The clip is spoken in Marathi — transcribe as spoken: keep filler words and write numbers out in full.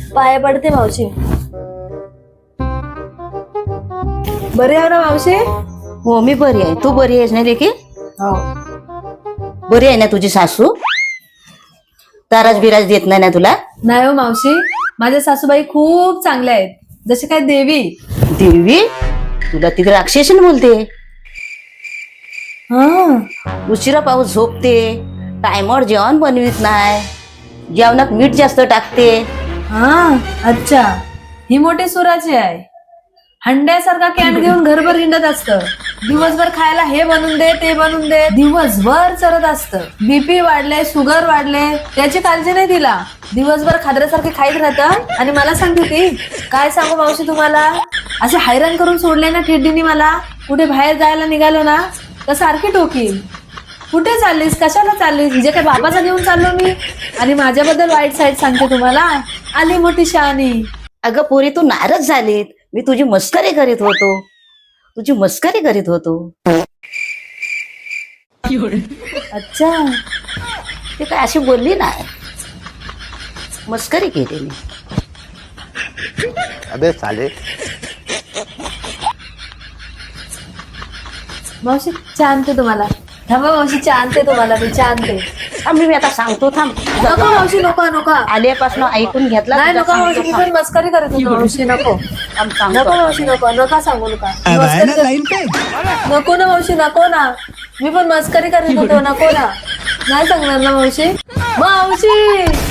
पाया पडते मावशी. बरे आहे ना मावशी? हो मी बरी आहे. तू बरी आहेस ना लेकी? हो. बरी आहे ना तुझी सासू? ताराज बिराज देत नाही ना तुला? नाही हो मावशी, माझ्या सासूबाई खूप चांगल्या आहेत, जसे काय देवी. देवी? तुला तिकडे राक्षसीन बोलते. हा. उशिरा पाऊस झोपते, टायमवर जेवण बनवित नाही, जेवणात मीठ जास्त टाकते. हा अच्छा, ही मोठी सुराची आहे. हंड्यासारखा कॅन घेऊन घरभर हिंडत असतं. दिवसभर खायला हे बनवून दे ते बनवून दे, दिवसभर चरत असतं. बीपी वाढले, शुगर वाढले, त्याची काळजी नाही तिला. दिवसभर खाद्यासारखे खाईत राहतं आणि मला सांगते ती, काय सांगू मावशी तुम्हाला, असे हैराण करून सोडले ना ठेडीनी मला. कुठे बाहेर जायला निघालो ना तर सारखी टोकील, कुठे चाललीस, कशाला चाललीस, जे काय बाबाचा घेऊन चाललो मी. आणि माझ्याबद्दल वाईट साईड सांगते तुम्हाला, आली मोठी शहाणी. अगं पोरी तू नाराज झालीत. मी तुझी मस्करी करीत होतो, तुझी मस्करी करीत होतो. अच्छा, ते काय अशी बोलली नाही, मस्करी केली मी. अबे साले. मावशी चहा आणते तुम्हाला. थांबा मावशी, चहा आणते तुम्हाला मी, चहा आणते. थांब मी आता सांगतो. थांब नको मावशी, नको नको. आल्यापासून ऐकून घेतला नाही तुझा नको मावशी, सांगतो. मी थांब. पण मस्करी करत होतो मावशी. नको थांब, सांगतो. नको मावशी, नको नका सांगू नका. मस्करी कर- नको ना मावशी, नको ना. मी पण मस्करी करत होतो, नको ना. नाही सांगणार ना मावशी. मावशी